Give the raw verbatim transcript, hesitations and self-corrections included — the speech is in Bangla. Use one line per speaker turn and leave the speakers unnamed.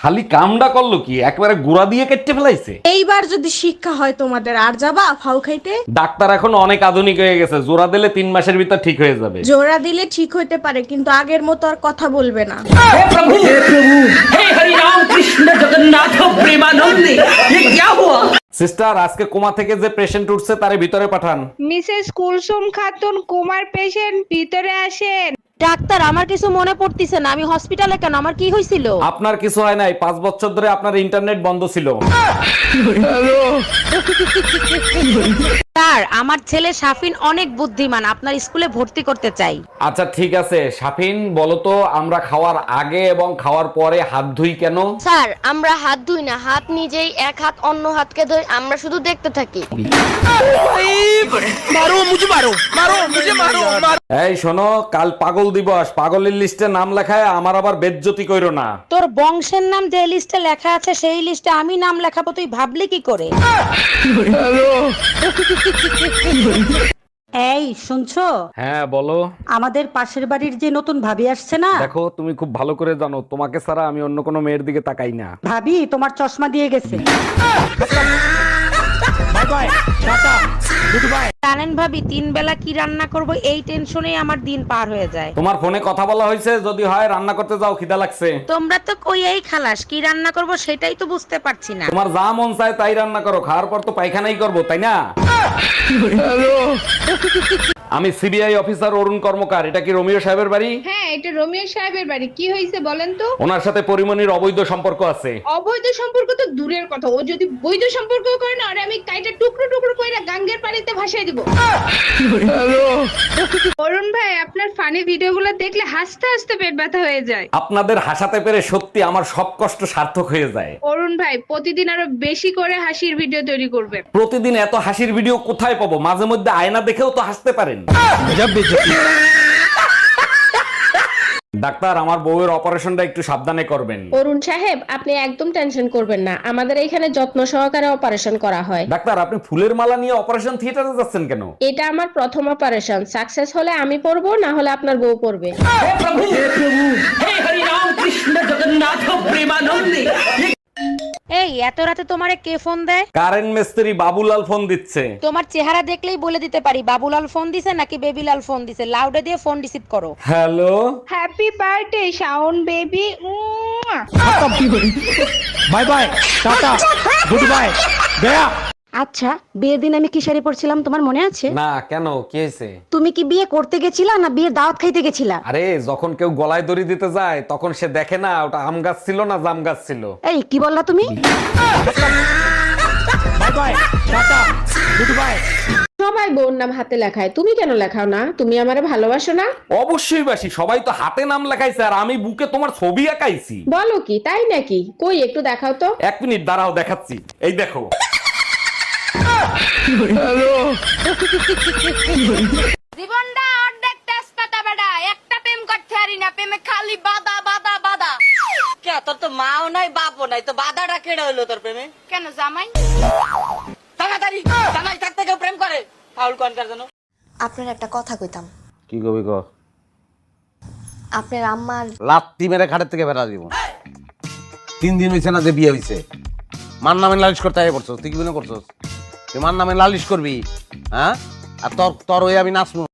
খালি কামডা করলো কি, একবারে গুড়া দিয়ে কেটে ফেলাইছে।
এইবার যদি শিক্ষা হয় তোমাদের, আর যাবা ফাউ খাইতে?
ডাক্তার এখন অনেক আধুনিক হয়ে গেছে, জোড়া দিলে তিন মাসের ভিতর ঠিক হয়ে যাবে।
জোড়া দিলে ঠিক হইতে পারে, কিন্তু আগের মতো আর কথা বলবে না।
সিস্টার, আজকে কোমা থেকে যে পেশেন্ট উঠছে তারে ভিতরে পাঠান।
মিসেস কুলসুম খাতুন কুমার পেশেন্ট, ভিতরে আসেন।
ডাক্তার, আমার কিছু মনে পড়তিছে না, আমি হসপিটালে কেন, আমার কি হয়েছিল?
আপনার কিছু হয় নাই, পাঁচ বছর ধরে আপনার ইন্টারনেট বন্ধ ছিল।
স্যার, আমার ছেলে শাফিন অনেক বুদ্ধিমান, আপনার স্কুলে ভর্তি করতে চাই।
আচ্ছা ঠিক আছে, শাফিন বলো তো, আমরা খাওয়ার আগে এবং খাওয়ার পরে হাত ধুই কেন?
স্যার, আমরা হাত ধুই না, হাত নিজেই এক হাত অন্য হাতকে ধরে আমরা শুধু দেখতে থাকি।
এই শোনো, কাল পাগল দিবস, পাগলের লিস্টে নাম লেখায় আমার আবার বেজ্জতি কইরো না।
তোর বংশের নাম যে লিস্টে লেখা আছে সেই লিস্টে আমি নাম লেখাবো, তুই ভাবলি কি করে?
এই শুনছো?
হ্যাঁ বলো।
আমাদের পাশের বাড়ির যে নতুন ভাবি আসছে না,
দেখো, তুমি খুব ভালো করে জানো তোমাকে ছাড়া আমি অন্য কোনো মেয়ের দিকে তাকাই না।
ভাবি তোমার চশমা দিয়ে গেছে।
জানেন ভাবি, তিন বেলা কি রান্না করব এই টেনশনেই আমার দিন পার হয়ে যায়।
তোমার ফোনে কথা বলা হয়েছে, যদি হয় রান্না করতে যাও, খিদা লাগছে।
তোমরা তো কই এই খালাস, কি রান্না করব সেটাই তো বুঝতে পারছি না।
তোমার যা মন চায় তাই রান্না করো, খাওয়ার পর তো পায়খানাই করবো, তাই না? আমি সিবিআই অফিসার অরুণ কর্মকার, এটা কি রোমিও সাহেবের বাড়ি?
হ্যাঁ, এটা রোমিও সাহেবের বাড়ি। কি হয়েছে বলেন তো?
ওনার সাথে পরিমণির অবৈধ সম্পর্ক আছে।
অবৈধ সম্পর্ক তো দূরের কথা, ও যদি বৈধ সম্পর্ক করে না, আর আমি কাইটা টুকরো টুকরো কইরা গাঙ্গের পানিতে ভাসাই দিব। অরুণ ভাই, আপনার ফানি ভিডিওগুলো দেখলে হাসতে হাসতে পেট ব্যথা হয়ে যায়।
আপনাদের হাসাতে পেরে সত্যি আমার সব কষ্ট সার্থক হয়ে যায়।
অরুণ ভাই, প্রতিদিন আরো বেশি করে হাসির ভিডিও তৈরি করবেন।
প্রতিদিন এত হাসির ভিডিও কোথায় পাবো? মাঝে মধ্যে আয়না দেখেও তো হাসতে পারেন। ডাক্তার, আমার বউয়ের অপারেশনটা একটু সাবধানে করবেন।
অরুণ সাহেব, আপনি একদম টেনশন করবেন না, আমাদের এখানে যত্ন সহকারে অপারেশন করা হয়।
ডাক্তার, আপনি ফুলের মালা নিয়ে অপারেশন থিয়েটারে যাচ্ছেন কেন?
এটা আমার প্রথম অপারেশন, সাকসেস হলে আমি পড়বো, না হলে আপনার বউ পড়বে।
এই এত রাতে তোমারে কে ফোন দেয়?
কারেন্ট মিস্ত্রি বাবুলাল ফোন দিচ্ছে।
তোমার চেহারা দেখলেই বলে দিতে পারি বাবুলাল ফোন দিছে নাকি বেবিলাল ফোন দিছে। লাউডে দিয়ে ফোন রিসিভ করো।
Hello,
happy birthday Shaon baby.
Bye bye, tata, goodbye, গয়া।
আচ্ছা, বিয়ের দিন আমি কি শাড়ি পরছিলাম তোমার মনে আছে?
না কেন, কি হয়েছে?
তুমি কি বিয়ে করতে গেছিলা না বিয়ের দাওয়াত খাইতে গেছিলা?
আরে, যখন কেউ গলায় দড়ি দিতে যায় তখন সে দেখে না ওটা আম গাছ ছিল না জাম গাছ ছিল।
এই কি বললা তুমি?
Bye bye, tata, goodbye.
সবাই বউর নাম হাতে লেখায়, তুমি কেন লেখাও না? তুমি আমারে ভালোবাসো না?
অবশ্যই বাসি, সবাই তো হাতে নাম লেখাইছে আর আমি বুকে তোমার ছবি আঁকাইছি।
বলো কি, তাই নাকি? কই একটু দেখাও তো।
এক মিনিট দাঁড়াও, দেখাচ্ছি, এই দেখো।
জীবনটা অর্ধেক তেজপাতা বেটা, একটা প্রেম করতে পারি না, প্রেমে খালি বাধা বাধা বাধা।
কে, তোর তো মাও নাই বাপও নাই, তো বাধাটা কেড়ে হইলো তোর প্রেমে?
কেন জামাই?
তাড়াতাড়ি জামাই থাকতে কেউ প্রেম করে? ফাউল কনকার জন্য।
আপনার একটা কথা কইতাম।
কি কবি ক?
আপনার আম্মার
লাত্তি মেরে খাটের থেকে বেড়া দিব। তিন দিন হয়েছে না যে বিয়ে হয়েছে, মার নামে লালিশ করতে আগে পড়ছস। তুই কি মনে করছস তুই মার নামে লালিশ করবি? হ্যাঁ, আর তোর তোর ওই আমি নাচবো।